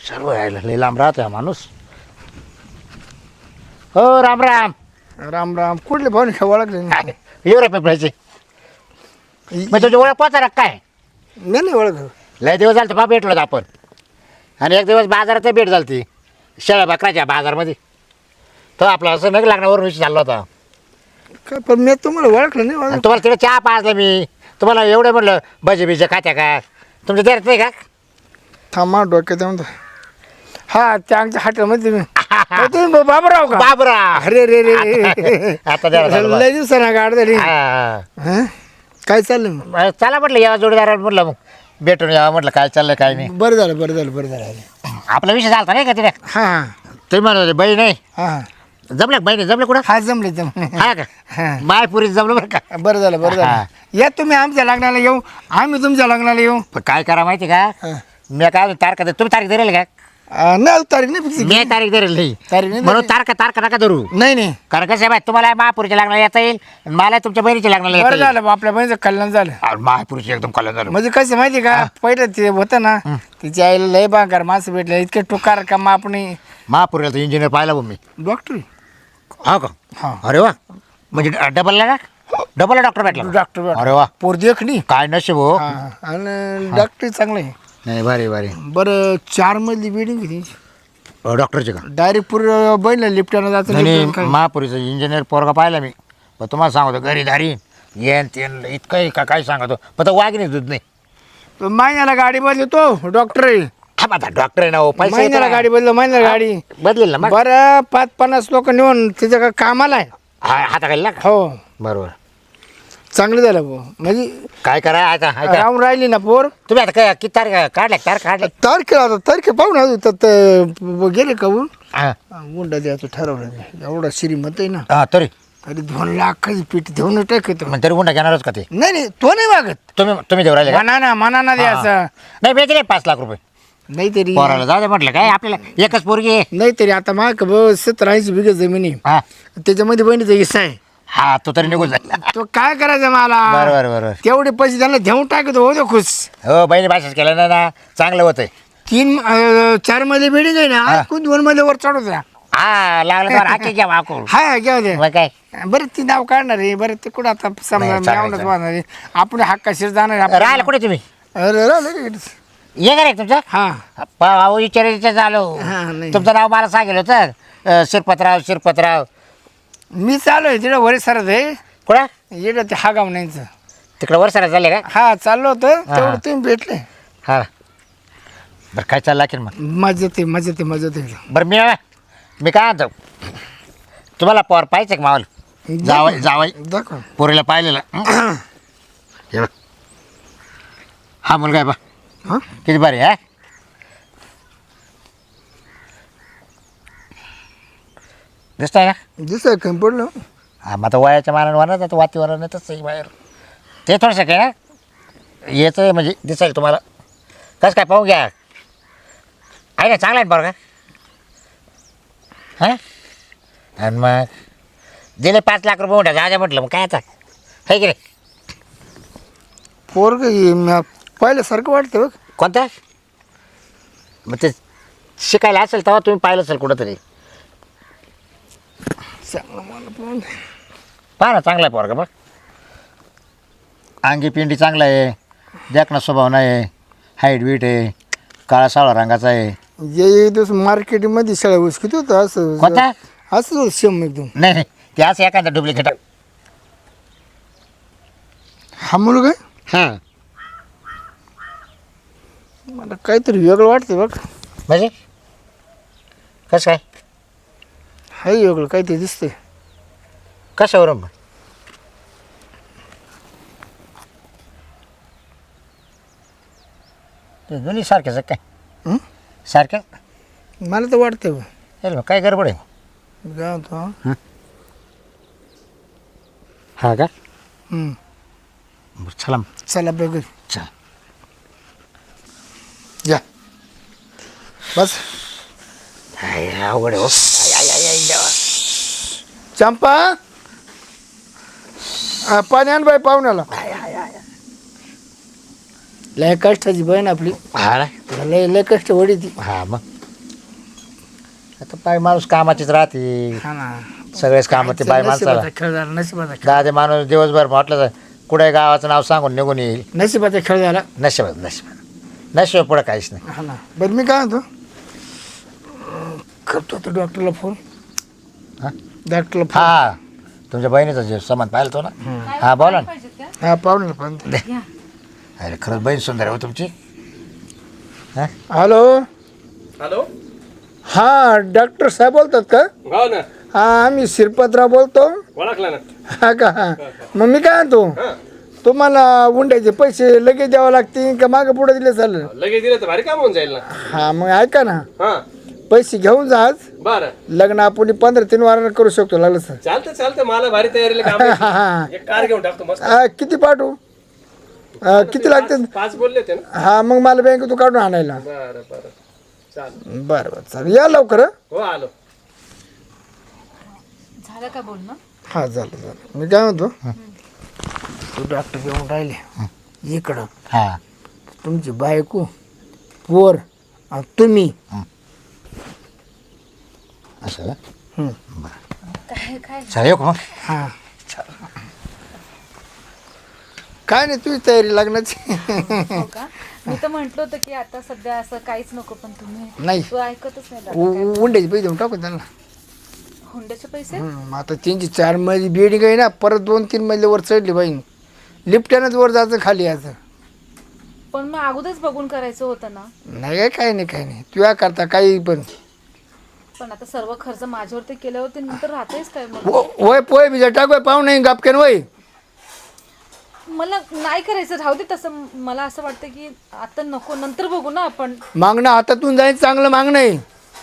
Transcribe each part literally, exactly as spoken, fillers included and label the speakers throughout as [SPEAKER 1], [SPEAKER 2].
[SPEAKER 1] सर्व यायला लई लांब राहतो हा माणूस. हो राम राम.
[SPEAKER 2] राम राम. कुठले भाऊ नाही ओळखले नाही.
[SPEAKER 1] येऊ रे पेपरायचे मग तुझी ओळख पोचा काय
[SPEAKER 2] मी नाही ओळख.
[SPEAKER 1] लय दिवस झाले तर बा भेटलो होतो आपण. आणि एक दिवस बाजारात भेट झाली ती शेळ्या बकराच्या बाजारमध्ये. तो आपला असं नाही लागण्यावरून विषय चालला होता.
[SPEAKER 2] काय पण मी तुम्हाला ओळखलं नाही.
[SPEAKER 1] आणि
[SPEAKER 2] ओळख
[SPEAKER 1] तुम्हाला तिकडे चहा पाजला मी. तुम्हाला एवढं म्हटलं भजे बिजे खात्या का तुमच्या देत नाही का.
[SPEAKER 2] थांबा डोक्यात म्हणतो. हा त्या आमच्या हॉटेलमध्ये तुम्ही अहो, तुम्ही बाबूराव का?
[SPEAKER 1] बाबरा
[SPEAKER 2] अरे रे रे रे.
[SPEAKER 1] आता द्या ना
[SPEAKER 2] लय दिवसांना गाड झाली.
[SPEAKER 1] हा.
[SPEAKER 2] हं? काय चाललं मग?
[SPEAKER 1] मग चला म्हटलं या जोडीदाराला म्हटलं मग भेटून यावं म्हटलं काय चाललंय काय नाही.
[SPEAKER 2] बरं झालं बरं झालं बरं झालं.
[SPEAKER 1] आपला विषय झाला नाही का तिथे.
[SPEAKER 2] हा हा
[SPEAKER 1] तुम्ही म्हणत होते बहीण नाही
[SPEAKER 2] हा
[SPEAKER 1] जमलं का बहीण जमलं कुठं
[SPEAKER 2] हा जमले जमले.
[SPEAKER 1] हा का
[SPEAKER 2] हा.
[SPEAKER 1] मायपुरीत जमलं बरं का.
[SPEAKER 2] बरं झालं बरं
[SPEAKER 1] हा.
[SPEAKER 2] झालं. या तुम्ही आमच्या लग्नाला येऊ आम्ही तुमच्या लग्नाला येऊ.
[SPEAKER 1] पण काय करा माहिती का
[SPEAKER 2] हा.
[SPEAKER 1] मी काय तारखा दे- तुम्ही तारीख धरेल का.
[SPEAKER 2] अं, नाही तारीख नाही फिक्स.
[SPEAKER 1] मी तारीख धरेल नाही
[SPEAKER 2] तारीख नाही
[SPEAKER 1] म्हणून
[SPEAKER 2] धरेल.
[SPEAKER 1] तारखा तारखा नका धरू.
[SPEAKER 2] नाही नाही
[SPEAKER 1] कारण कसं आहे बाय तुम्हाला महापुरीच्या लग्नाला येता येईल आणि मला तुमच्या बहिणीच्या लग्नाला येता
[SPEAKER 2] बरं
[SPEAKER 1] येईल.
[SPEAKER 2] झालं बा, आपल्या बहिणीचं कल्याण झालं.
[SPEAKER 1] अरे महापुरीची एकदम कल्याण झालं.
[SPEAKER 2] म्हणजे कसं माहिती का पहिलं ते होतं ना तिच्या आईला लय बांकार माणसं भेटले इतके टुकार का मग आपण
[SPEAKER 1] महापुरीला तर इंजिनियर पाहिला बघ मी.
[SPEAKER 2] डॉक्टर
[SPEAKER 1] हा का
[SPEAKER 2] हा
[SPEAKER 1] अरे वा म्हणजे डबलला का डबलला डॉक्टर भेटला का?
[SPEAKER 2] डॉक्टर
[SPEAKER 1] अरे वा
[SPEAKER 2] पोर देखणी
[SPEAKER 1] काय नशीब हो.
[SPEAKER 2] हा आणि डॉक्टर चांगलं आहे.
[SPEAKER 1] नाही भारी भारी
[SPEAKER 2] बरं चार मधली बिल्डिंग आहे
[SPEAKER 1] अ, डॉक्टरचे का
[SPEAKER 2] डायरेक्ट पूर बहिणीला लिफ्टानं जातं
[SPEAKER 1] नाही
[SPEAKER 2] लिफ्टानं काय.
[SPEAKER 1] महापुरीचा इंजिनियर पोरगा पाहिला मी. पण तुम्हाला सांगतो घरी दारी येन तेन इतकं का काय सांगतो पण तो वाघ नाही दूध नाही.
[SPEAKER 2] तो महिन्याला गाडी बदलतो डॉक्टर आहे.
[SPEAKER 1] हा आता डॉक्टर आहे ना हो पैसे
[SPEAKER 2] महिन्याला
[SPEAKER 1] येतात.
[SPEAKER 2] गाडी बदल महिन्याला गाडी
[SPEAKER 1] बदलेल ना मग
[SPEAKER 2] बरं पाच पन्नास लोक नेऊन तिच्या का कामाला आहे.
[SPEAKER 1] हा हाताखाली ना का
[SPEAKER 2] हो
[SPEAKER 1] बरोबर.
[SPEAKER 2] चांगलं झालं भाऊ म्हणजे
[SPEAKER 1] काय करा आता ऐका.
[SPEAKER 2] राहून राहिली ना पोर.
[SPEAKER 1] तुम्ही आता काय किती तारीख काढल्या तारीख काढल्या
[SPEAKER 2] तारखेला आता तारखे पाहू ना तर ते गेले का ऊन
[SPEAKER 1] हा
[SPEAKER 2] गुंडा द्यायचं ठरवलं एवढा श्रीमंत आहे ना
[SPEAKER 1] हा, तरी
[SPEAKER 2] तरी दोन लाखाची पीठ देऊन टाकतो.
[SPEAKER 1] मग तरी गुंडा घेणारच का ते.
[SPEAKER 2] नाही नाही तो नाही मागत
[SPEAKER 1] तुम्ही तुम्ही देऊ राहिले का
[SPEAKER 2] मना ना मना ना द्यायचं
[SPEAKER 1] नाही भेटले नाही पाच लाख रुपये
[SPEAKER 2] नाही तरी
[SPEAKER 1] पोराला जाऊ दे म्हटलं काय आपल्याला एकच पोरगी आहे.
[SPEAKER 2] नाही तरी आता माग सत्तर ऐंशी बिघे जमिनी
[SPEAKER 1] हा
[SPEAKER 2] त्याच्यामध्ये बहिणीचा हिस्सा आहे.
[SPEAKER 1] हा तो तरी निघून जाईल.
[SPEAKER 2] तो काय करायचं मला
[SPEAKER 1] बरोबर बरोबर
[SPEAKER 2] तेवढे पैसे त्यांना देऊन टाकतो हो तो खुश.
[SPEAKER 1] हो बहिणी भाषाच केलं ना ना चांगलं होतंय.
[SPEAKER 2] तीन अं, चार मध्ये बिल्डिंग आहे ना
[SPEAKER 1] हा.
[SPEAKER 2] कोण दोन मध्ये वर चढवत द्या.
[SPEAKER 1] हा लागलं तर हाकी घ्या वाकून
[SPEAKER 2] हा घ्या दे
[SPEAKER 1] मग काय
[SPEAKER 2] बरं ती नाव काढणार आहे बरं ते कुठं आता समजा
[SPEAKER 1] नाही, चालेल,
[SPEAKER 2] मेवणंच
[SPEAKER 1] चालेल.
[SPEAKER 2] वाहणार आहे आपण हक्काशीर जाणार आहे.
[SPEAKER 1] राहिलं कुठे तुम्ही
[SPEAKER 2] अरे राहिलं का?
[SPEAKER 1] ये का रे तुमचं
[SPEAKER 2] हा
[SPEAKER 1] भाऊ विचारायचं झालो
[SPEAKER 2] हा, नाही.
[SPEAKER 1] तुमचं नाव मला सांगेल होतं अं, शिरपतराव शिरपतराव
[SPEAKER 2] मी चालू आहे तिकडे वरे सरत आहे
[SPEAKER 1] कुठं
[SPEAKER 2] येडं ते हा गाव नाहीचं.
[SPEAKER 1] तिकडं वर्षाला झाले का
[SPEAKER 2] हा चाललो होतं
[SPEAKER 1] हा.
[SPEAKER 2] तेवढं तुम्ही भेटले.
[SPEAKER 1] हा बरं काय चाललं की मग
[SPEAKER 2] मजा येते मजा येते मजा येते.
[SPEAKER 1] बरं मी मी काय म्हणतो तुम्हाला पोर पाहिजे का मावाला जावाय जावाय
[SPEAKER 2] दाखव
[SPEAKER 1] पोरीला पाहिलेलं हं? हे बघ. हा मुलगा आहे बा
[SPEAKER 2] हा
[SPEAKER 1] किती बरे हा दिसतंय ना.
[SPEAKER 2] दिसाय कमी पडलं.
[SPEAKER 1] हा मग आता वयाच्या मानाने वाढत आता वातीवरण येतच आहे बाहेर ते थोडंसं काय ना येतं म्हणजे दिसायला तुम्हाला कसं काय पाहू घ्या आहे ना चांगला आहे बरं का हां आणि मग दिले पाच लाख रुपये मोठ्या जाजा म्हटलं मग काय आता आहे की नाही.
[SPEAKER 2] पोरग पाहिल्यासारखं वाटतं बघ.
[SPEAKER 1] कोणता मग ते शिकायला असेल तेव्हा तुम्ही पाहिलं असेल कुठंतरी.
[SPEAKER 2] चांगलं मला पण
[SPEAKER 1] पहा ना चांगला आहे पोरगा बघ अंगी पिंडी चांगला आहे देखणा स्वभाव नाही आहे हाईट बीट आहे काळा सावळा रंगाचा आहे.
[SPEAKER 2] जे दिवस मार्केटमध्ये शाळा ऊस किती होतं असं
[SPEAKER 1] कोणता
[SPEAKER 2] असंच होतं शेम एकदम.
[SPEAKER 1] नाही नाही ते असं एखादा डुप्लिकेट
[SPEAKER 2] हा मुलगा आहे?
[SPEAKER 1] हां
[SPEAKER 2] मला काहीतरी वेगळं वाटतं बघ.
[SPEAKER 1] म्हणजे कसं काय
[SPEAKER 2] हाय वेगळं काहीतरी दिसतंय.
[SPEAKER 1] कशावरून मग ते दोन्ही सारखेच आहे काय
[SPEAKER 2] हं?
[SPEAKER 1] सारखे
[SPEAKER 2] मला तर वाटतं बघ.
[SPEAKER 1] चल मग काय गडबड आहे
[SPEAKER 2] काय होतं हा?
[SPEAKER 1] हा का
[SPEAKER 2] हं.
[SPEAKER 1] बरं, चला मग.
[SPEAKER 2] चला बघ
[SPEAKER 1] चल
[SPEAKER 2] या बस.
[SPEAKER 1] हाय, अवघड आहे हो. आय, आय, आय, आय, देवा.
[SPEAKER 2] चंपा हा, पाणी आण बाई पाहुण्याला.
[SPEAKER 1] I, I, I.
[SPEAKER 2] लय कष्टाची बहीण आपली
[SPEAKER 1] हा ना
[SPEAKER 2] लय लय कष्ट वडी ती.
[SPEAKER 1] हा मग आता बाई माणूस कामाचीच राहते,
[SPEAKER 2] हा ना
[SPEAKER 1] सगळेच काम ते बाई माणसाला.
[SPEAKER 2] नशिबाचा खेळ झाला नशिबाचा खेळ
[SPEAKER 1] दादे माणूस दिवसभर म्हटलं तर कुठे गावाचं नाव सांगून निघून येईल.
[SPEAKER 2] नशिबाचा खेळ झाला.
[SPEAKER 1] नशिबात नशिबात नशिबात पुढं काहीच नाही.
[SPEAKER 2] हा ना बरं मी काय म्हणतो करतो तो डॉक्टरला फोन.
[SPEAKER 1] हा
[SPEAKER 2] डॉक्टरला फोन.
[SPEAKER 1] हा तुमच्या बहिणीचा जे सामान पाहिलं तो ना. हा बोला ना.
[SPEAKER 2] हा पाहुणे पण
[SPEAKER 1] अरे खरंच बहीण सुंदर आहे हो तुमची. हा
[SPEAKER 2] हॅलो
[SPEAKER 3] हॅलो.
[SPEAKER 2] हा डॉक्टर साहेब बोलतात का?
[SPEAKER 3] हो ना.
[SPEAKER 2] हा आम्ही शिरपतराव बोलतो.
[SPEAKER 3] ओळखला ना.
[SPEAKER 2] हा का हा मग मी काय म्हणतो
[SPEAKER 3] हा.
[SPEAKER 2] तुम्हाला उंड्याचे पैसे लगेच द्यावं लागतील का मागं पुढे दिले चालेल?
[SPEAKER 3] लगेच दिलं तर भारी काम होऊन जाईल ना.
[SPEAKER 2] हा मग ऐका ना
[SPEAKER 3] हा
[SPEAKER 2] पैसे घेऊन जा आज.
[SPEAKER 3] बरं
[SPEAKER 2] लग्न आपण पंधरा तीन वारानं करू शकतो लागलं सर.
[SPEAKER 3] चालतं चालतं मला भारी तयारीला काम आहे.
[SPEAKER 2] हा हा
[SPEAKER 3] एक कार घेऊन टाकतो मस्त.
[SPEAKER 2] हा, किती पाठवू हा, किती लागते?
[SPEAKER 3] पाच- पाच बोलले होते ना.
[SPEAKER 2] हा मग मला बँकेतून काढून आणायला.
[SPEAKER 3] बरं बरं चालेल.
[SPEAKER 2] बरं बरं चालेल या लवकर हं.
[SPEAKER 3] हो आलो.
[SPEAKER 4] झालं का बोलणं?
[SPEAKER 2] हा झालं झालं मी काय म्हणतो तू डॉक्टर येऊन राहिले इकडं
[SPEAKER 1] हा
[SPEAKER 2] तुमची बायको पोर आणि तुम्ही
[SPEAKER 1] असं
[SPEAKER 2] हं.
[SPEAKER 4] काय काय
[SPEAKER 1] चला येऊ का मग.
[SPEAKER 2] हा काय नाही तुझी तयारी लग्नाची.
[SPEAKER 4] हो का? मी तर म्हंटल होतं की आता सध्या असं काहीच नको, पण तुम्ही
[SPEAKER 2] नाही
[SPEAKER 4] तू ऐकतच नाही दादा. काय?
[SPEAKER 2] उ- उंड्याचे पैसे देऊन टाकू त्यांना.
[SPEAKER 4] हुंड्याचे पैसे?
[SPEAKER 2] हं, आता त्यांची चार मजली बिल्डिंग आहे ना परत दोन तीन मजले वर चढली बाईन लिफ्टनंच वर जायचं खाली यायचं.
[SPEAKER 4] पण मग अगोदरच बघून करायचं होतं ना.
[SPEAKER 2] नाही काय काही नाही काही नाही तुया करता काही पण
[SPEAKER 4] पण आता सर्व खर्च माझ्यावरती केल्यावरती नंतर राहतेच काय मग?
[SPEAKER 2] व- वय पोय बिजा टाक वय पाहू नाही गापकेन वय.
[SPEAKER 4] मला नाही करायचं, राहू दे तसं. मला असं वाटतं की आता नको, नंतर बघू ना आपण.
[SPEAKER 2] मागणं हातातून जाईल चांगलं मागणं आहे.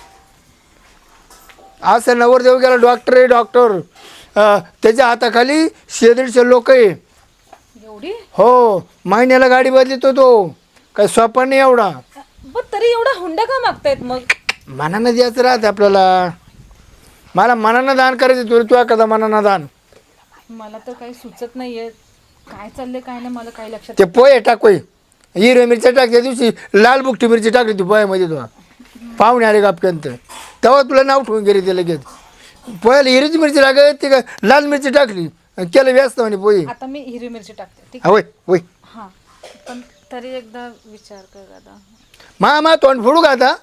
[SPEAKER 2] असं नवर देऊ गेला डॉक्टर आहे डॉक्टर अं, त्याच्या हाताखाली शे दीडशे लोक आहे.
[SPEAKER 4] एवढी?
[SPEAKER 2] हो महिन्याला गाडी बदलितो तो काही सोपा नाही एवढा.
[SPEAKER 4] पण तरी एवढा हुंडा का मागतायत मग?
[SPEAKER 2] मनानं द्यायचं राहते आपल्याला. मला मनानं दान करायचं तुला तुझ्या कदा मनानं दान.
[SPEAKER 4] मला तर काही सुचत नाहीये काय चाललंय काय नाही, मला काही लक्षात.
[SPEAKER 2] ते पोहे टाक वय हिरव्या मिरच्या टाक. त्या दिवशी लाल बुकटी मिरची टाकली ती पोह्यामध्ये तुला पाहुणे आले गापक्यांत तेव्हा तुला नाव ठेवून गेले ते लगेच. पोह्याला हिरवीची मिरची लागत ती का लाल मिरची टाकली केलं व्यस्त म्हणे पोहे.
[SPEAKER 4] आता मी हिरवी मिरची टाकते, ठीक
[SPEAKER 2] हा वय वय
[SPEAKER 4] आहे? हा पण तरी एकदा विचार कर दादा.
[SPEAKER 2] मा मा तोंड फोडू का आता?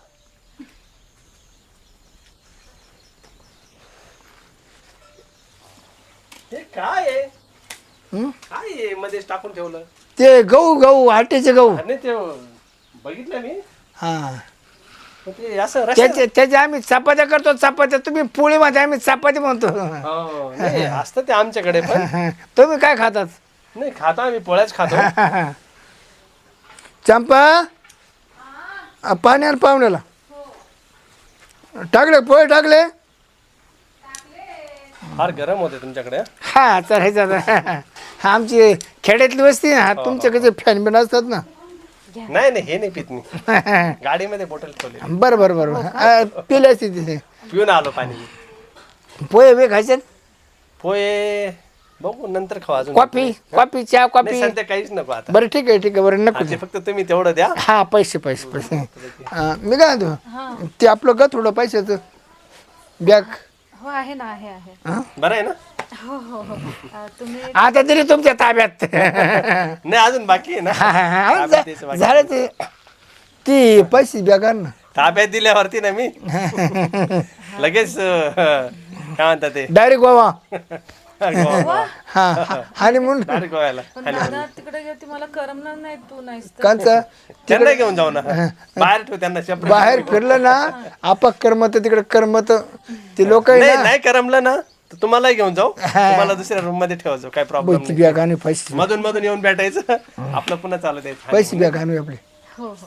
[SPEAKER 3] हे काय आहे?
[SPEAKER 2] हं?
[SPEAKER 3] काय आहे मध्येच टाकून ठेवलं?
[SPEAKER 2] ते गहू गहू आटेचे गहू.
[SPEAKER 3] आणि ते बघितलं मी.
[SPEAKER 2] हा
[SPEAKER 3] पण ते असं रस्त्यात-
[SPEAKER 2] त्याचे त्याचे आम्ही चपात्या करतो चपात्या. तुम्ही पोळी मध्ये आम्ही चपाती म्हणतो.
[SPEAKER 3] हो, नाही, असतं ते आमच्याकडे पण.
[SPEAKER 2] तुम्ही काय खातात?
[SPEAKER 3] नाही खाता आम्ही पोळ्याच खातो.
[SPEAKER 2] चंपा अ, पाणी आण पाहुण्याला. टाकले पोहे टाकले.
[SPEAKER 3] फार गरम होते तुमच्याकडे.
[SPEAKER 2] हा चालायचं आता. हा आमची खेड्यातली वस्ती ना तुमच्याकडे फॅन बिन असतात ना.
[SPEAKER 3] नाही नाही हे नाही पित मी. गाडीमध्ये बॉटल ठेवली.
[SPEAKER 2] बरं बरं बरं पिले असते तिथे.
[SPEAKER 3] पिऊन आलो पाणी.
[SPEAKER 2] पोहे बे खायचे.
[SPEAKER 3] पोहे बघू नंतर खाऊ अजून.
[SPEAKER 2] कॉफी कॉफी चहा
[SPEAKER 3] नाही,
[SPEAKER 2] कॉफी.
[SPEAKER 3] सध्या काहीच नको आता.
[SPEAKER 2] बरं ठीक आहे ठीक आहे बरं नको
[SPEAKER 3] ते फक्त तुम्ही तेवढं द्या.
[SPEAKER 2] हा पैसे पैसे पैसे हा, मी काय म्हणतो ते आपलं ग थोडं पैशाचं बॅग.
[SPEAKER 4] हो आहे ना, आहे आहे.
[SPEAKER 3] बरं आहे ना.
[SPEAKER 4] हो हो हो अं, तुम्ही
[SPEAKER 2] आता तरी तुमच्या ताब्यात.
[SPEAKER 3] नाही अजून बाकी आहे ना.
[SPEAKER 2] हा, हा, हा,
[SPEAKER 3] ताब्यात द्यायचं बाकी.
[SPEAKER 2] झालं ते ती पैसे बॅग आण ना.
[SPEAKER 3] ताब्यात दिल्यावरती ना मी लगेच अं, काय म्हणतात ते
[SPEAKER 2] डायरेक्ट गोवा.
[SPEAKER 3] गोवा.
[SPEAKER 2] हा आणि म्हणून
[SPEAKER 3] डायरेक्ट गोव्याला.
[SPEAKER 4] पण दादा तिकडे गेली मला करमणार नाही, तू नाहीस तर.
[SPEAKER 2] कांचा
[SPEAKER 3] त्यांना घेऊन जाऊ ना बाहेर ठेव त्यांना separate.
[SPEAKER 2] बाहेर फिरलं ना आपक करमत तिकडे करमत ते लोक आहे
[SPEAKER 3] नाही
[SPEAKER 2] ना.
[SPEAKER 3] नाही करमलं ना तर तुम्हालाही घेऊन जाऊ. तुम्हाला दुसऱ्या रूम मध्ये ठेवायचो काय प्रॉब्लेम
[SPEAKER 2] ती
[SPEAKER 3] नाही.
[SPEAKER 2] बॅग आणि पैसे
[SPEAKER 3] मधून मधून येऊन भेटायचं आपलं पुन्हा चालू द्यायचं.
[SPEAKER 2] पैसे बॅग आणू आपले.
[SPEAKER 4] हो हो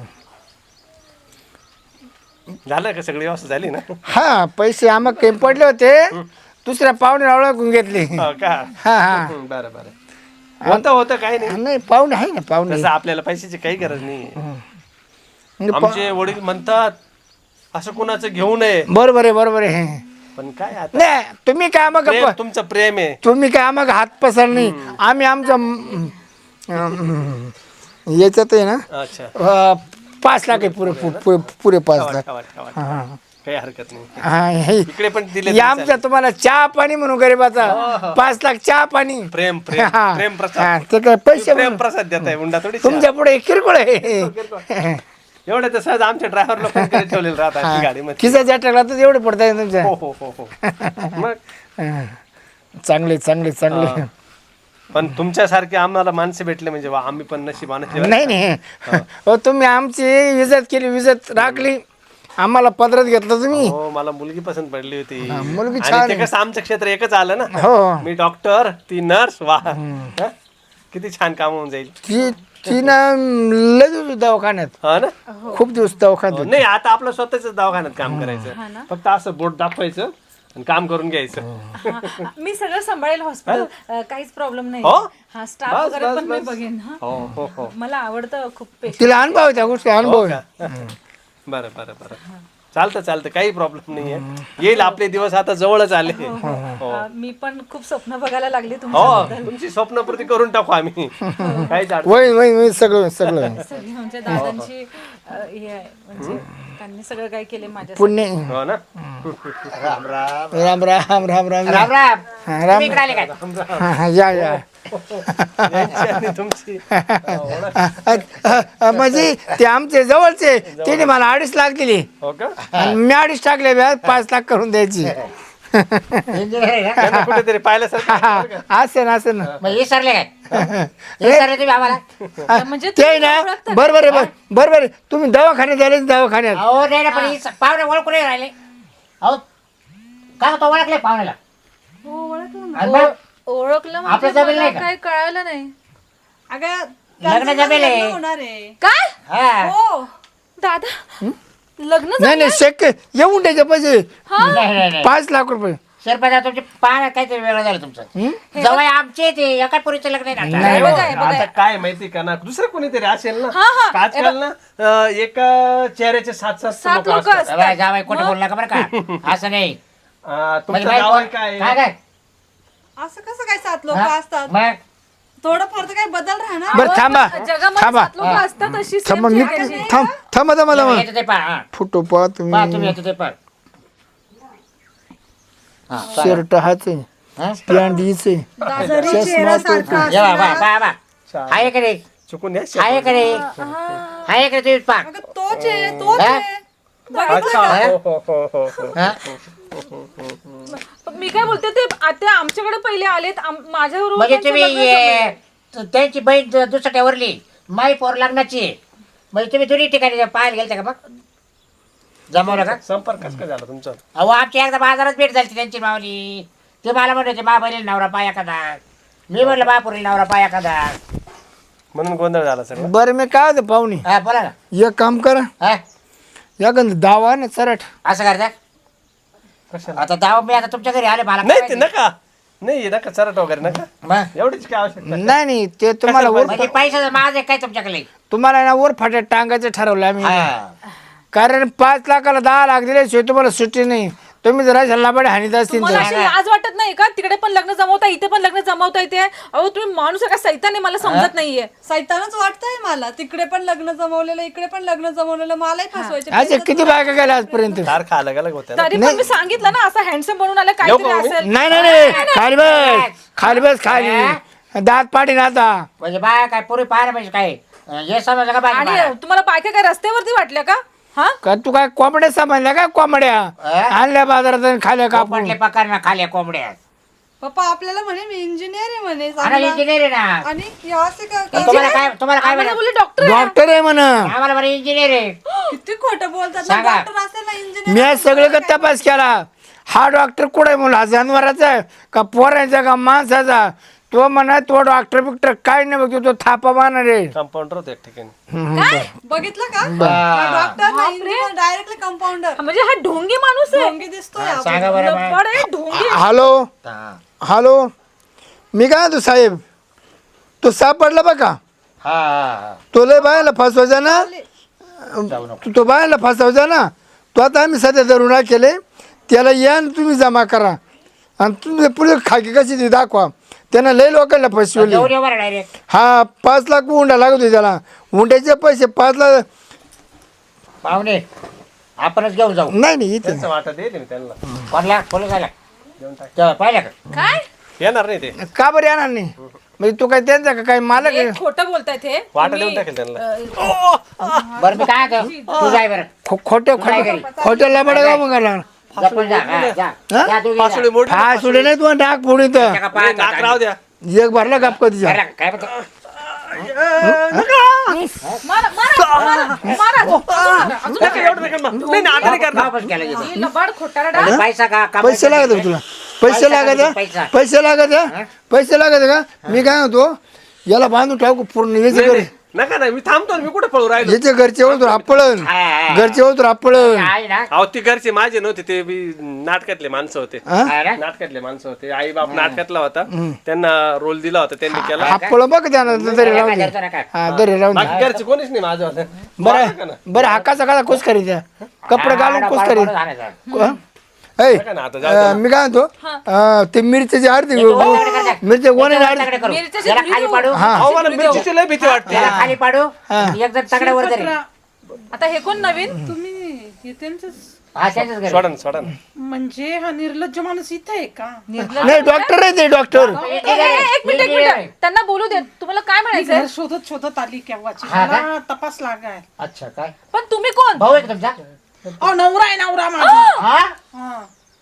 [SPEAKER 3] झालं का सगळी व्यवस्था झाली ना.
[SPEAKER 2] हा पैसे आम्हाला काही पडले होते दुसऱ्या पाहुणे ओळखून घेतले.
[SPEAKER 3] हो का.
[SPEAKER 2] हा हा
[SPEAKER 3] हं, बरं बरं होतं होतं काही नाही.
[SPEAKER 2] नाही पाहुणे आहे ना पाहुणे.
[SPEAKER 3] तसं आपल्याला पैशाची काही गरज नाही.
[SPEAKER 2] म्हणजे पा-
[SPEAKER 3] आमचे वडील म्हणतात असं कुणाचं घेऊ नये.
[SPEAKER 2] बरोबर आहे बरोबर आहे.
[SPEAKER 3] पण काय आता
[SPEAKER 2] नाही तुम्ही काय मग
[SPEAKER 3] प्रेम, तुमचं प्रेम आहे.
[SPEAKER 2] तुम्ही काय मग हात पसर नाही. आम्ही आमच्या अं, अं, याच्यात आहे ना
[SPEAKER 3] अच्छा
[SPEAKER 2] अं, पाच लाख आहे पुरे पुरे पुरे पाच
[SPEAKER 3] ठेवा,
[SPEAKER 2] लाख.
[SPEAKER 3] ठेवा, ठेवा.
[SPEAKER 2] हा हा
[SPEAKER 3] काही हरकत नाही.
[SPEAKER 2] हा हे-
[SPEAKER 3] इकडे पण दिले
[SPEAKER 2] हे आमचा तुम्हाला चहा पाणी म्हणून गरीबाचा पाच लाख चहा पाणी
[SPEAKER 3] प्रेम प्रेम
[SPEAKER 2] हा.
[SPEAKER 3] प्रेम
[SPEAKER 2] हा,
[SPEAKER 3] प्रसाद
[SPEAKER 2] ते काय पैसे
[SPEAKER 3] प्रेम
[SPEAKER 2] म्हणून.
[SPEAKER 3] प्रसाद देत आहे हुंडा थोडी
[SPEAKER 2] तुमच्या पुढे किरकोळ आहे
[SPEAKER 3] एवढं तर सहज आमच्या ड्रायव्हर लोकांकडे ठेवलेलं राहतात गाडीमध्ये.
[SPEAKER 2] खिसा टाकला तर एवढे पडताय तुमच्या
[SPEAKER 3] हो हो हो हो मग
[SPEAKER 2] चांगले चांगले चांगले
[SPEAKER 3] हा. पण तुमच्यासारखे आम्हाला माणसे भेटले म्हणजे वा आम्ही पण नशिबाने.
[SPEAKER 2] नाही नाही हो तुम्ही आमची इज्जत केली इज्जत राखली आम्हाला पदरात घेतलं तुम्ही
[SPEAKER 3] हो मला मुलगी पसंत पडली होती
[SPEAKER 2] मुलगी
[SPEAKER 3] आणि
[SPEAKER 2] छान
[SPEAKER 3] ते कसं आमचं क्षेत्र एकच आलं ना.
[SPEAKER 2] हो
[SPEAKER 3] मी डॉक्टर ती नर्स वा हा? किती छान काम होऊन जाईल.
[SPEAKER 2] ती ती ना लय दिवस दवाखान्यात
[SPEAKER 3] हा ना.
[SPEAKER 2] खूप दिवस दवाखान्यात
[SPEAKER 3] हो, नाही आता आपलं स्वतःच दवाखान्यात काम करायचं फक्त असं बोट दाखवायचं आणि काम करून घ्यायचं.
[SPEAKER 4] हा, मी सगळं सांभाळेल हॉस्पिटल, काहीच प्रॉब्लेम नाही.
[SPEAKER 3] हो?
[SPEAKER 4] हा स्टाफ
[SPEAKER 3] बस,
[SPEAKER 4] वगैरे
[SPEAKER 3] बस,
[SPEAKER 4] पण मी
[SPEAKER 3] बस.
[SPEAKER 4] बघेन. हा.
[SPEAKER 3] हो हो हो
[SPEAKER 4] मला आवडतं खूप पेशंट.
[SPEAKER 2] तिला अनुभव आहे त्या गोष्टी अनुभव
[SPEAKER 3] हो
[SPEAKER 2] आहे.
[SPEAKER 3] का? बरं बरं बरं चालतं चालतं काही प्रॉब्लेम नाहीये. येईल आपले दिवस आता जवळच आले. हो
[SPEAKER 4] मी पण खूप स्वप्न बघायला लागले
[SPEAKER 3] हो
[SPEAKER 4] तुमच्या
[SPEAKER 3] तुमची स्वप्नपूर्ती करून टाकू आम्ही. काहीच अडचण
[SPEAKER 2] वय वय वय सगळं सगळं
[SPEAKER 4] सगळी म्हणजे दादांची अ, हे आहे म्हणजे त्यांनी सगळं काही केले माझ्या.
[SPEAKER 2] पुण्य
[SPEAKER 3] हो ना.
[SPEAKER 1] राम राम
[SPEAKER 2] राम राम राम राम
[SPEAKER 1] राम राम
[SPEAKER 2] हा, राम
[SPEAKER 1] तुम्ही इकडे आले काय
[SPEAKER 2] हा, हा, या या
[SPEAKER 3] यांची आणि तुमची
[SPEAKER 2] अ, अ, अ, म्हणजे ते आमचे जवळचे त्याने मला अडीच लाख दिली
[SPEAKER 3] हो का.
[SPEAKER 2] आणि मी अडीच टाकले व्याज पाच लाख करून द्यायची
[SPEAKER 1] इंजिनियर आहे ना
[SPEAKER 3] त्यांना कुठेतरी पाहिल्यासारखं.
[SPEAKER 2] असं ना असं ना
[SPEAKER 1] मग विसरले काय विसरले तुम्ही आम्हाला
[SPEAKER 4] म्हणजे
[SPEAKER 2] ते ना बरोबर आहे बर- बरोबर आहे. तुम्ही दवाखान्यात आले दवाखान्यात
[SPEAKER 1] अहो नाही ना पण ही पाहुणे ओळखून नाही राहिले. अहो का तो ओळखले पाहुण्याला
[SPEAKER 4] हो, ओळखलं ना.
[SPEAKER 1] आणि मग
[SPEAKER 4] ओळखलं
[SPEAKER 1] आपलं
[SPEAKER 4] म्हणजे
[SPEAKER 1] जमेल
[SPEAKER 4] मला
[SPEAKER 1] नाही का?
[SPEAKER 4] काय कळालं नाही.
[SPEAKER 5] अगं
[SPEAKER 1] लग्न जमेल आहे.
[SPEAKER 5] होणार आहे.
[SPEAKER 4] काय
[SPEAKER 1] हा
[SPEAKER 5] हो
[SPEAKER 4] दादा लग्न
[SPEAKER 2] नाही नाही शक्य येऊन द्यायचे पैसे
[SPEAKER 1] नाही नाही नाही
[SPEAKER 2] पाच लाख रुपये
[SPEAKER 1] शेरपदा तुमचे पाय काहीतरी वेगळं झालं तुमचं जवळ आमचे ते एका पुरीचं लग्न आहे ना
[SPEAKER 2] नाही
[SPEAKER 1] आता.
[SPEAKER 4] बघा, हे बघा.
[SPEAKER 3] आता काय माहिती का ना दुसरं कोणीतरी असेल ना.
[SPEAKER 4] हा, हा.
[SPEAKER 3] आजकाल ना अं, एका चेहऱ्याचे सात सात
[SPEAKER 4] सात
[SPEAKER 3] लोक
[SPEAKER 4] लोक
[SPEAKER 3] असतात.
[SPEAKER 4] असतात.
[SPEAKER 1] जावाई जावाई कोणी बोलू नका बरं का असं नाही
[SPEAKER 3] अं,
[SPEAKER 1] म्हणजे
[SPEAKER 3] तुमचं
[SPEAKER 1] बाई
[SPEAKER 3] नाव
[SPEAKER 1] कोण-
[SPEAKER 3] काय
[SPEAKER 1] काय काय
[SPEAKER 5] असं कसं काय सात लोक
[SPEAKER 1] हा?
[SPEAKER 5] असतात
[SPEAKER 1] मग
[SPEAKER 5] थोडंफार तर काही बदल राहणार.
[SPEAKER 2] बरं थांबा
[SPEAKER 4] जगामध्ये
[SPEAKER 2] थांबा
[SPEAKER 4] सात लोक असतात अशी same
[SPEAKER 2] थांबा मी
[SPEAKER 4] चेहऱ्याची.
[SPEAKER 2] थांब थांबा थांबा थांबा
[SPEAKER 1] येतं ते पहा हा.
[SPEAKER 2] फोटो पहा
[SPEAKER 1] पहा
[SPEAKER 2] तुम्ही
[SPEAKER 1] तुम्ही येतं ते पहा हा चालेल.
[SPEAKER 2] शर्ट हाच आहे
[SPEAKER 1] हा?
[SPEAKER 2] पॅन्ट हीच आहे
[SPEAKER 5] जरी चेहरा सारखा
[SPEAKER 1] ये बा, बा, बा, बा. आहे का रे
[SPEAKER 3] चुकून या
[SPEAKER 1] आहे का रे आहे का रे तुम्ही पहा
[SPEAKER 5] अगं तोच आहे तोच
[SPEAKER 1] हा?
[SPEAKER 5] आहे.
[SPEAKER 3] अच्छा हो हो हो हो हो.
[SPEAKER 1] हा?
[SPEAKER 4] मी काय बोलते ते आता आमच्याकडे पहिले आलेत आम- माझ्याबरोबर
[SPEAKER 1] म्हणजे
[SPEAKER 4] त्यांचं
[SPEAKER 1] तुम्ही
[SPEAKER 4] लग्न
[SPEAKER 1] ये,
[SPEAKER 4] जमलंय.
[SPEAKER 1] त- त्यांची बहीण दु- दुसऱ्यावरली माई पोर लग्नाची आहे. म्हणजे तुम्ही दोन्ही ठिकाणी पाहायला गेलते का मग जमवलं का
[SPEAKER 3] संपर्क कसं काय झाला तुमचा.
[SPEAKER 1] अहो आमची एकदा बाजारात भेट झाली त्यांची मावली ते मला म्हणत होते मा बहिणी नवरा पाय एखादा मी म्हणलं बापुरी नवरा पाय एखादा
[SPEAKER 3] म्हणून गोंधळ झाला सगळं.
[SPEAKER 2] बरं मी काय होतं पाहुणे
[SPEAKER 1] हा बोला ना
[SPEAKER 2] एक काम करा
[SPEAKER 1] हा
[SPEAKER 2] या गंध दावा ना चरट
[SPEAKER 1] असं करता
[SPEAKER 3] कशाला
[SPEAKER 1] आता दावा मी आता तुमच्या घरी आले मला
[SPEAKER 3] नाही
[SPEAKER 1] काय
[SPEAKER 3] ते
[SPEAKER 1] माहिती.
[SPEAKER 3] नका नाही नका चरट वगैरे नका
[SPEAKER 1] मग
[SPEAKER 3] एवढीच काय आवश्यकता.
[SPEAKER 2] नाही नाही ते तुम्हाला वर
[SPEAKER 1] म्हणजे पैशाचं माझं आहे काय तुमच्याकडे
[SPEAKER 2] तुम्हाला ना वर फाट्यात टांगायचं ठरवलं आम्ही
[SPEAKER 1] हा
[SPEAKER 2] कारण पाच लाखाला दहा लाख दिल्याशिवाय तुम्हाला सुट्टी नाही तुम्ही जरा झल्लाबाडे हानीत असतील
[SPEAKER 4] मला
[SPEAKER 2] तर.
[SPEAKER 4] अशी लाज वाटत नाही का तिकडे पण लग्न जमवता इथे पण लग्न जमवता येते. अहो तुम्ही माणूस आहे का सैतान आहे मला समजत नाहीये.
[SPEAKER 5] सैतानच वाटतंय मला तिकडे पण लग्न जमवलेलं इकडे पण लग्न जमवलेलं मलाही फसवायचे
[SPEAKER 2] अच्छा किती बायका गेल्या आजपर्यंत
[SPEAKER 3] तारखा अलग अलग होत्या ना.
[SPEAKER 4] तरी पण मी सांगितलं ना असं हँडसम बनून आलं
[SPEAKER 3] येऊ
[SPEAKER 4] काहीतरी
[SPEAKER 3] का मी?
[SPEAKER 4] असेल.
[SPEAKER 2] नाही नाही नाही खाली बस खाली बस खाली दात पाडी आता
[SPEAKER 1] म्हणजे बाय काय पुरी पाहायला पाहिजे काय हे समजलं का
[SPEAKER 4] आणि
[SPEAKER 1] बाय
[SPEAKER 4] तुम्हाला बायका काय रस्त्यावरती वाटल्या का? हा
[SPEAKER 2] का तू काय कोंबड्या सांभाळल्या का कोंबड्या
[SPEAKER 1] अं?
[SPEAKER 2] आणल्या बाजारात आणि खाल्या कापून
[SPEAKER 1] पडले पकार ना खाल्या कोंबड्या
[SPEAKER 5] पप्पा आपल्याला म्हणे मी इंजिनियर आहे म्हणे
[SPEAKER 1] आणि
[SPEAKER 5] चांगला.
[SPEAKER 1] इंजिनियर आहे ना
[SPEAKER 5] आणि हे असे का का-
[SPEAKER 1] तुम्हाला काय तुम्हाला काय
[SPEAKER 4] आम्हाला
[SPEAKER 1] म्हणा
[SPEAKER 4] बोलले डॉक्टर
[SPEAKER 2] डॉक्टर आहे म्हणा
[SPEAKER 1] आम्हाला बरं इंजिनियर आहे
[SPEAKER 5] किती खोटं बोलतात ना
[SPEAKER 1] सांगा.
[SPEAKER 5] डॉक्टर असेल ना इंजिनियर
[SPEAKER 2] मी आज सगळे का तपास केला हा डॉक्टर कुठे आहे म्हणून हा जनावराचा आहे का पोरांचा का माणसाचा तो म्हणा तो डॉक्टर बिक्टर काय नाही बघतो तो थापा मारणार आहे
[SPEAKER 3] कंपाऊंडर होते एक ठिकाणी.
[SPEAKER 5] बघितलं का डॉक्टर ना इंजिनियर डायरेक्टली कंपाऊंडर
[SPEAKER 4] म्हणजे हा ढोंगी माणूस आहे.
[SPEAKER 5] ढोंगी दिसतोय आपण.
[SPEAKER 1] सांगा बरं बाय.
[SPEAKER 4] लबाड आहे, ढोंगी.
[SPEAKER 2] हॅलो
[SPEAKER 1] हा
[SPEAKER 2] हॅलो मी काय तू साहेब तो सापडला बघा
[SPEAKER 1] हा हा
[SPEAKER 2] तो लय बायला फसवायचा ना
[SPEAKER 1] जाऊ नको
[SPEAKER 2] तू तो बायला फसवायचा ना तो आता आम्ही सध्या धरून केले त्याला या न तुम्ही जमा करा आणि तुम्ही पुढे खाकी कशी ती दाखवा त्यानं लय लोकांना फसवले
[SPEAKER 1] जाऊ दे बरं डायरेक्ट
[SPEAKER 2] हा पाच लाख उंडा लागत होते त्याला उंड्याचे पैसे पाच लाख
[SPEAKER 1] पाहुणे आपणच घेऊन जाऊ.
[SPEAKER 2] नाही नाही इथे
[SPEAKER 3] त्यांचं वाटत येते मी त्यांना
[SPEAKER 1] कोणला पोलीस आला
[SPEAKER 3] देऊन टाक.
[SPEAKER 1] तेव्हा पाहिलं का?
[SPEAKER 4] काय
[SPEAKER 3] येणार नाही ते
[SPEAKER 2] का बरं येणार नाही म्हणजे तू काय त्यांचा का काय मालक आहे?
[SPEAKER 4] हे खोटं बोलतायत हे
[SPEAKER 3] वाटा देऊन टाकेल त्यांना.
[SPEAKER 1] बरं मी काय म्हणतो, तू जाय बरं
[SPEAKER 2] खो- खोटं
[SPEAKER 1] काय
[SPEAKER 2] खोटं
[SPEAKER 1] घरी?
[SPEAKER 2] खोटं लबाड का मग आला?
[SPEAKER 1] जपून जा, हा, जा.
[SPEAKER 2] हा?
[SPEAKER 1] जा तू घे
[SPEAKER 3] पासुळे
[SPEAKER 1] जा.
[SPEAKER 3] मोठी
[SPEAKER 2] हा सुडे नाही तू डाक फोडी तर
[SPEAKER 1] त्याच्या का
[SPEAKER 3] नाही,
[SPEAKER 1] पाय
[SPEAKER 3] नाक राहू द्या.
[SPEAKER 2] एक भरला गप कधीच्या
[SPEAKER 1] बरं, काय म्हणतो?
[SPEAKER 4] मारा मारा मारा मारा अजून
[SPEAKER 3] नका एवढं नका मार. नाही नाही, आता नाही करणार.
[SPEAKER 1] वापस केला गेला.
[SPEAKER 4] ही लबाड खोटारडा
[SPEAKER 1] आणि पैसा का का-
[SPEAKER 2] पैसे लागत आहे तुला पैसे
[SPEAKER 1] पैसा
[SPEAKER 2] लागत
[SPEAKER 1] का
[SPEAKER 2] आहे?
[SPEAKER 1] पैसा?
[SPEAKER 2] पैसे लागत आहे? पैसे लागत आहे का मी काय म्हणतो याला बांधून टाकू पूर्ण याचे
[SPEAKER 3] नाही,
[SPEAKER 2] घर
[SPEAKER 3] नाही. नका नाही मी थांबतो ना, मी कुठे पळू राहिलो.
[SPEAKER 2] याचे घरचे होतो आपळण
[SPEAKER 1] हा, हा.
[SPEAKER 2] घरचे होतो आपळण
[SPEAKER 1] आहे ना
[SPEAKER 3] अहो ती घरचे माझे नव्हते, ते बी नाटकातले माणसं होते.
[SPEAKER 1] आहे ना?
[SPEAKER 3] नाटकातले माणसं होते. आई बाप नाटकातला होता, त्यांना रोल दिला होता, त्यांनी केला.
[SPEAKER 2] आपळ बघ त्यानं दरी राहून दे.
[SPEAKER 1] धरतो ना काय?
[SPEAKER 2] हा दरी राहून दे.
[SPEAKER 3] बाकी घरचे कोणीच नाही माझं
[SPEAKER 2] बरं बरं हाकाचा काचा कुस करी द्या कपडे घालून
[SPEAKER 1] हा,
[SPEAKER 2] कुस
[SPEAKER 1] पाड-
[SPEAKER 2] करी
[SPEAKER 1] पाड आणायचा.
[SPEAKER 2] ऐ
[SPEAKER 3] ना आता जाऊ दे.
[SPEAKER 2] अं, मी काय म्हणतो अं, ते मिरच्याची अर्धी मिरच्या गोणे
[SPEAKER 1] त्याच्यावर
[SPEAKER 2] अर्धी
[SPEAKER 1] तगडे करू.
[SPEAKER 4] मिरच्याचे
[SPEAKER 1] याला
[SPEAKER 4] व्हिडिओ.
[SPEAKER 1] खाली पाडू
[SPEAKER 3] अहो मला मिरचीची लय भीती वाटते.
[SPEAKER 1] याला खाली पाडू एक जण तगड्यावर तरी
[SPEAKER 4] आता हे कोण नवीन
[SPEAKER 5] तुम्ही हे त्यांचं
[SPEAKER 1] हा त्यांच्याच घरी.
[SPEAKER 3] सोडा ना सोडा ना.
[SPEAKER 5] म्हणजे हा निर्लज्ज माणूस इथे आहे का
[SPEAKER 2] नाही डॉक्टर आहे ते डॉक्टर
[SPEAKER 4] ए, ए, ए, एक मिनिट एक मिनिट त्यांना बोलू दे. तुम्हाला काय
[SPEAKER 5] मी
[SPEAKER 4] म्हणायचंय
[SPEAKER 5] घर शोधत शोधत आली केव्हाची
[SPEAKER 1] हा का?
[SPEAKER 5] मला तपास लागाय
[SPEAKER 1] अच्छा काय
[SPEAKER 4] पण तुम्ही कोण
[SPEAKER 1] भाऊ आहे का तुमचा?
[SPEAKER 5] अहो नवरा आहे नवरा माझा
[SPEAKER 1] हा
[SPEAKER 5] हा.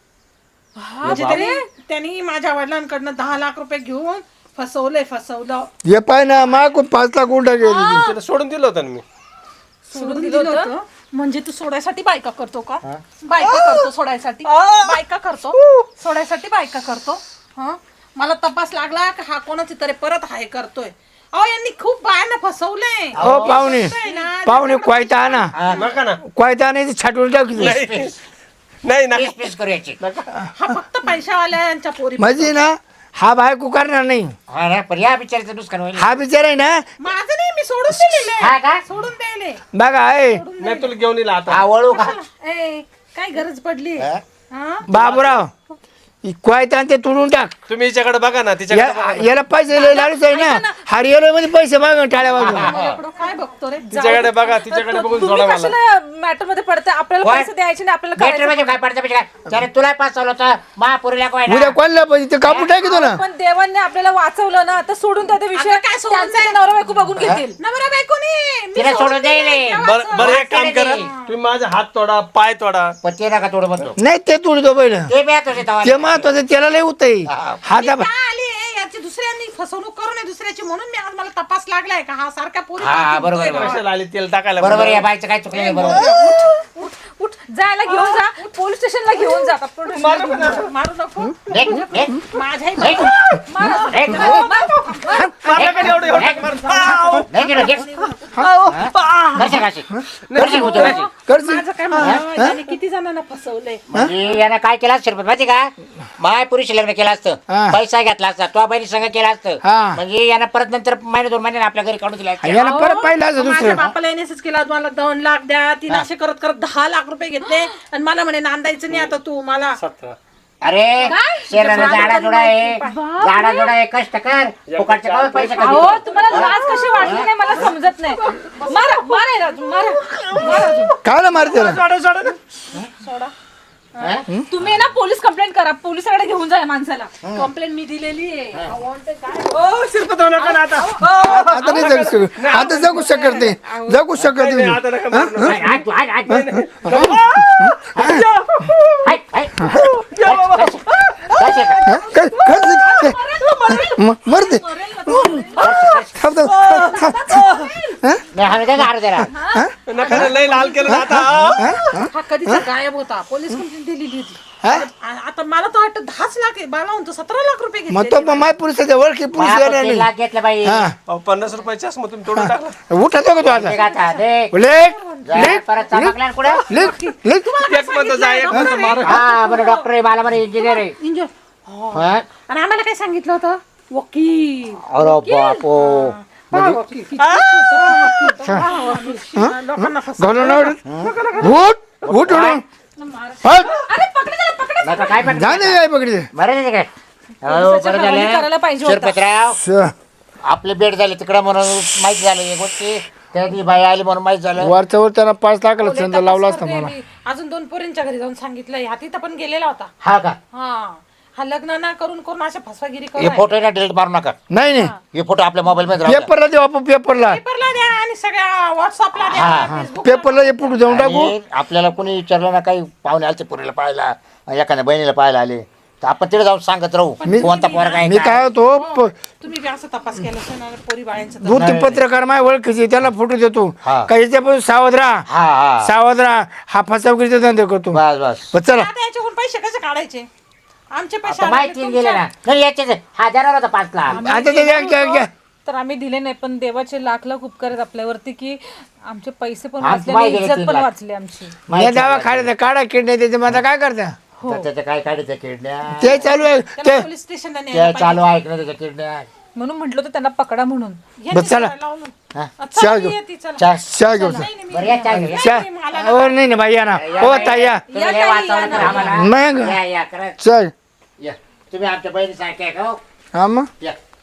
[SPEAKER 5] म्हणजे त्यांनी त्यांनी माझ्या वडिलांकडनं दहा लाख रुपये घेऊन फसवलंय फसवलं
[SPEAKER 2] हे पाय ना माग पाच लाख गुंडा गेली
[SPEAKER 3] तिला सोडून दिलं होतं ना मी.
[SPEAKER 5] सोडून दिलं होतं म्हणजे तू सोडायसाठी बायका करतो का बायका करतो सोडायसाठी बायका करतो सोडायसाठी बायका करतो हा मला तपास लागला का हा कोणाची तरी परत हाय करतोय अहो यांनी खूप बायांना फसवलंय
[SPEAKER 2] हो पाहुणे
[SPEAKER 5] ना
[SPEAKER 2] पाहुणे क्वायता आणा
[SPEAKER 3] नका ना.
[SPEAKER 2] क्वायता आणायची छाटून टाकी
[SPEAKER 3] नाही नाही नका.
[SPEAKER 1] पीस पीस करू याची
[SPEAKER 5] हा फक्त पैशावाल्यांच्या पोरी
[SPEAKER 2] म्हणजे ना हा बायको करणार नाही
[SPEAKER 1] हा ना, पण या बिचारीचं नुकसान होईल.
[SPEAKER 2] हा बिचार आहे ना
[SPEAKER 5] माझं नाही मी सोडून दिलेले
[SPEAKER 1] हा का
[SPEAKER 5] सोडून द्यायले
[SPEAKER 2] बघा आहे
[SPEAKER 3] नाही तुला घेऊन येईल आता.
[SPEAKER 1] हा वळू का
[SPEAKER 5] ए काय गरज पडली हा
[SPEAKER 2] बाबूराव क्वायता आणि ते तुडून टाक
[SPEAKER 3] तुम्ही हिच्याकडे बघा ना, तिच्याकडे बघा.
[SPEAKER 2] या- याला पैसे लय लालूच आहे ना हरियाणा मध्ये पैसे माग टाळ्या वाजून
[SPEAKER 5] माझ्याकडं काय बघतो रे
[SPEAKER 3] तिच्याकडे बघा, तिच्याकडे बघून
[SPEAKER 4] तुम्ही
[SPEAKER 3] सोडा मला.
[SPEAKER 4] कशाला मॅटर मध्ये पडते आपल्याला
[SPEAKER 1] काय?
[SPEAKER 4] पैसे द्यायचे नाही आपल्याला
[SPEAKER 1] बेटर
[SPEAKER 4] करायचं
[SPEAKER 1] म्हणजे काय पडतं म्हणजे काय त्याने तुला पासवलं होतं महापुरीला काय
[SPEAKER 2] उद्या कोणला पैसे ते कापून टाकी ना
[SPEAKER 4] पण देवांनी आपल्याला वाचवलं ना आता सोडून त्या विषय
[SPEAKER 5] आता काय सोडून
[SPEAKER 4] त्यांचा ते नवरा बायको बघून घेतील
[SPEAKER 5] नवरा बायकोनी मी
[SPEAKER 1] तिला सोडून देईल
[SPEAKER 3] बरं बरं एक काम करा, तुम्ही माझा हात तोडा, पाय तोडा.
[SPEAKER 1] पण ते नका थोडं म्हणतो
[SPEAKER 2] नाही ते तुडतो पहिलं
[SPEAKER 1] ते बी आता तेव्हा
[SPEAKER 2] ते महत्वाचं त्याला लय होत हाता
[SPEAKER 5] का आली आहे? याची दुसऱ्यांनी फसवणूक करू नये दुसऱ्याची म्हणून मी आज मला तपास लागलाय का हा सारख्या पोरी
[SPEAKER 1] हा,
[SPEAKER 5] पाहतोय
[SPEAKER 1] बरोबर,
[SPEAKER 5] बा.
[SPEAKER 3] कशाला आली तेल टाकायला?
[SPEAKER 1] बरोबर या बाईचं काय चुकलं नाही बरोबर
[SPEAKER 4] उठ उठ जायला घेऊन जा पोलीस स्टेशनला घेऊन जा पोलीस स्टेशनला.
[SPEAKER 5] मारू नको
[SPEAKER 1] एक, एक,
[SPEAKER 5] माझ्याही
[SPEAKER 1] एक,
[SPEAKER 5] बायको-
[SPEAKER 4] मारा.
[SPEAKER 1] एक,
[SPEAKER 4] मारा.
[SPEAKER 3] माझ्याकडे एवढं एवढं मार.
[SPEAKER 1] नाही केलं, घे. करशील काशी? करशील होतं काशी?
[SPEAKER 2] करशील
[SPEAKER 5] माझं काय म्हणणं त्याने किती जणांना फसवलंय
[SPEAKER 1] म्हणजे यानं काय केलं असतं शिरपत माहिती का माय पुरुषी लग्न केलं असतं
[SPEAKER 2] हा.
[SPEAKER 1] पैसा घेतला असता तो बहिणी संघ केला असतं
[SPEAKER 2] हा.
[SPEAKER 1] म्हणजे यानं परत नंतर महिने दोन महिने आपल्या घरी काढून दिला असतं.
[SPEAKER 2] याला परत पाहिलं असं
[SPEAKER 5] माझ्या
[SPEAKER 2] दुसरं
[SPEAKER 5] बापाला एनएसएस केला मला दोन लाख द्या तीन असे करत करत दहा लाख रुपये घेतले आणि मला म्हणे नांदायचं नाही आता तू मला
[SPEAKER 3] सतरा.
[SPEAKER 1] अरे शेराला झाडा जोडा आहे झाडा जोडा आहे कष्ट कर फुकटचे काय पैसे
[SPEAKER 4] अहो
[SPEAKER 1] कमी
[SPEAKER 4] तुम्हाला लाज कशी वाटली नाही मला समजत नाही मारा मारा याला अजून, मारा मारा अजून.
[SPEAKER 2] काय मारते त्याला
[SPEAKER 3] सोडा सोडा ना.
[SPEAKER 4] सोडा तुम्ही ना पोलीस कंप्लेंट करा पोलिसाकडे घेऊन जा या माणसाला कंप्लेंट मी दिलेली आहे Wanted काय?
[SPEAKER 3] ओ, शिरपत होऊ नका ना आता.
[SPEAKER 2] आता नाही जगू शकत आता जगू शकत नाही जगू शकत
[SPEAKER 3] नाही,
[SPEAKER 2] नाही
[SPEAKER 3] आता नका मारू ना.
[SPEAKER 1] हाय, हाय, हाय, हाय. हाय, हाय. कशी आहे?
[SPEAKER 2] हा? काय- काय- म- मरते थांब, थांब, थांब, थांब.
[SPEAKER 1] नाही, हाणू दे का, हाणू दे ना.
[SPEAKER 3] नका ना, लय लाल केलं ना आता.
[SPEAKER 5] हा कधीचा गायब होता पोलीस कंप्लेंट दिलेली होती आ- आता मला तर वाटतं दहाच लाख आहे मला म्हणतो सतरा लाख रुपये
[SPEAKER 2] मग
[SPEAKER 5] घेतले
[SPEAKER 2] तो माय पुरुषाच्या ओळखी पुरुष
[SPEAKER 1] बाप,
[SPEAKER 2] येणार
[SPEAKER 1] तीन
[SPEAKER 2] नाही
[SPEAKER 1] लाख घेतलं बाई
[SPEAKER 2] हा
[SPEAKER 3] अहो, पन्नास रुपयाची असं मग तुम्ही तोडून टाकला.
[SPEAKER 2] उठतो का तू आता
[SPEAKER 1] दे आता, दे.
[SPEAKER 2] लेख
[SPEAKER 1] जा,
[SPEAKER 2] लेख
[SPEAKER 1] परत चमकला ना कुठं
[SPEAKER 2] लेख लेख
[SPEAKER 3] एक म्हणतो जा, एक म्हणतो मारा.
[SPEAKER 1] हा बरं डॉक्टर आहे मला बरं इंजिनियर आहे
[SPEAKER 5] इंजन
[SPEAKER 1] हा?
[SPEAKER 5] आणि आम्हाला काय सांगितलं होतं वकील
[SPEAKER 1] अरे बापो
[SPEAKER 5] पहा वकील. किती खोटं वकील. पहा वकील. लोकांना फसवलं.
[SPEAKER 2] घालून आवडत उठ उठ उठ हट.
[SPEAKER 4] अरे पकडा त्याला पकडा
[SPEAKER 1] नका काय पण
[SPEAKER 2] झाले काय पकडले
[SPEAKER 1] बरं आहे काय हो
[SPEAKER 4] पोलिसाच्या
[SPEAKER 1] बरं
[SPEAKER 4] हवाली करायला
[SPEAKER 1] झालं
[SPEAKER 4] पाहिजे होतं.
[SPEAKER 1] शिरपतराव
[SPEAKER 2] स-
[SPEAKER 1] आपले बेड झाले तिकडं म्हणून माहिती झालं या गोष्टी त्या ती बाई आली म्हणून माहीत झालं.
[SPEAKER 2] वरच्या वर त्यांना पाच लाखाला
[SPEAKER 5] पोलीस
[SPEAKER 2] चंद
[SPEAKER 5] तपास
[SPEAKER 2] लावला असता
[SPEAKER 5] करते
[SPEAKER 2] मला.
[SPEAKER 5] मी. अजून दोन पोरींच्या घरी जाऊन सांगितलंय हा तिथं पण गेलेला होता.
[SPEAKER 1] हा का?
[SPEAKER 5] हा हा लग्न ना करून करून अशा फसवागिरी
[SPEAKER 1] हे
[SPEAKER 5] करू
[SPEAKER 1] फोटो ना डिलीट मारू नका.
[SPEAKER 2] नाही नाही
[SPEAKER 1] हे फोटो आपल्या मोबाईल मध्ये राहू द्या.
[SPEAKER 2] पेपरला देऊ आपण पेपरला
[SPEAKER 5] पेपरला द्या आणि सगळ्या व्हॉट्सअपला द्या फेसबुक
[SPEAKER 2] पेपरला हे पुढे जाऊन टाकू.
[SPEAKER 1] आणि आपल्याला कोणी विचारलं ना काही पाहुणे आलते पुरीला पाहायला एखाद्या बहिणीला पाहायला आले तर आपण तिथे जाऊन सांगत राहू कोणता पोर काय
[SPEAKER 2] मी काय होतो प-
[SPEAKER 5] तुम्ही बी असं तपास केला असेल ना पोरी बाळ्यांचा तर.
[SPEAKER 2] दोन तीन पत्रकार माझ्या ओळखीचे त्याला फोटो देतो
[SPEAKER 1] हा.
[SPEAKER 2] काही त्यापासून सावध राहा
[SPEAKER 1] हा हा
[SPEAKER 2] सावध राहा हा फसवगिरीचा धंदा करतो.
[SPEAKER 1] बस बस
[SPEAKER 2] बस चला
[SPEAKER 5] आता याच्याकडून पैसे कसे काढायचे आमचे पैसे
[SPEAKER 1] आता
[SPEAKER 5] आले
[SPEAKER 1] माहिती
[SPEAKER 5] की
[SPEAKER 1] गेले
[SPEAKER 5] तुमच्या-
[SPEAKER 1] ना नाही याचे हा देणार होता पाच लाख.
[SPEAKER 2] आता ते घ्या, घ्या, घ्या.
[SPEAKER 4] तर आम्ही दिले नाही पण देवाचे लाख लाख उपकार आहेत आपल्यावरती की आमचे पैसे पण
[SPEAKER 1] आज
[SPEAKER 4] वाचले
[SPEAKER 1] माय
[SPEAKER 4] आणि
[SPEAKER 1] गेले
[SPEAKER 4] इज्जत
[SPEAKER 1] तीन
[SPEAKER 4] पण
[SPEAKER 1] लाख.
[SPEAKER 4] वाचली आमची.
[SPEAKER 2] या दावा खायला काढा किडण्या त्याच्या माझा काय करता
[SPEAKER 1] तर त्याच्या काय काढायच्या किडण्या
[SPEAKER 2] ते चालू आहे
[SPEAKER 5] त्याला
[SPEAKER 2] ते
[SPEAKER 5] पोलीस स्टेशनला
[SPEAKER 1] त्या
[SPEAKER 5] न्यायला
[SPEAKER 1] चालू आहे का नाही त्याच्या किडण्या.
[SPEAKER 4] म्हणून म्हटलं होतं त्यांना पकडा म्हणून.
[SPEAKER 5] पाहिजे.
[SPEAKER 2] बस चला.
[SPEAKER 5] यांनी लावून.
[SPEAKER 1] हा?
[SPEAKER 5] चला,
[SPEAKER 2] चहा
[SPEAKER 5] मी
[SPEAKER 2] घेऊ.
[SPEAKER 5] येते, चला.
[SPEAKER 1] चहा
[SPEAKER 2] चहा घेऊ
[SPEAKER 5] नाही, नाही, मी-
[SPEAKER 1] बरं या चहा घेऊ.
[SPEAKER 2] चहा
[SPEAKER 5] नाही, मला
[SPEAKER 2] हो नाही ना बाई या ना
[SPEAKER 1] या
[SPEAKER 2] हो
[SPEAKER 1] बाई,
[SPEAKER 2] ताई या
[SPEAKER 1] तुम्ही लय वाचावलं तर आम्हाला.
[SPEAKER 2] मग
[SPEAKER 1] या या करा
[SPEAKER 2] चल
[SPEAKER 1] या तुम्ही आमच्या बहिणी सारखे आहे का हो?
[SPEAKER 2] हा मग
[SPEAKER 1] या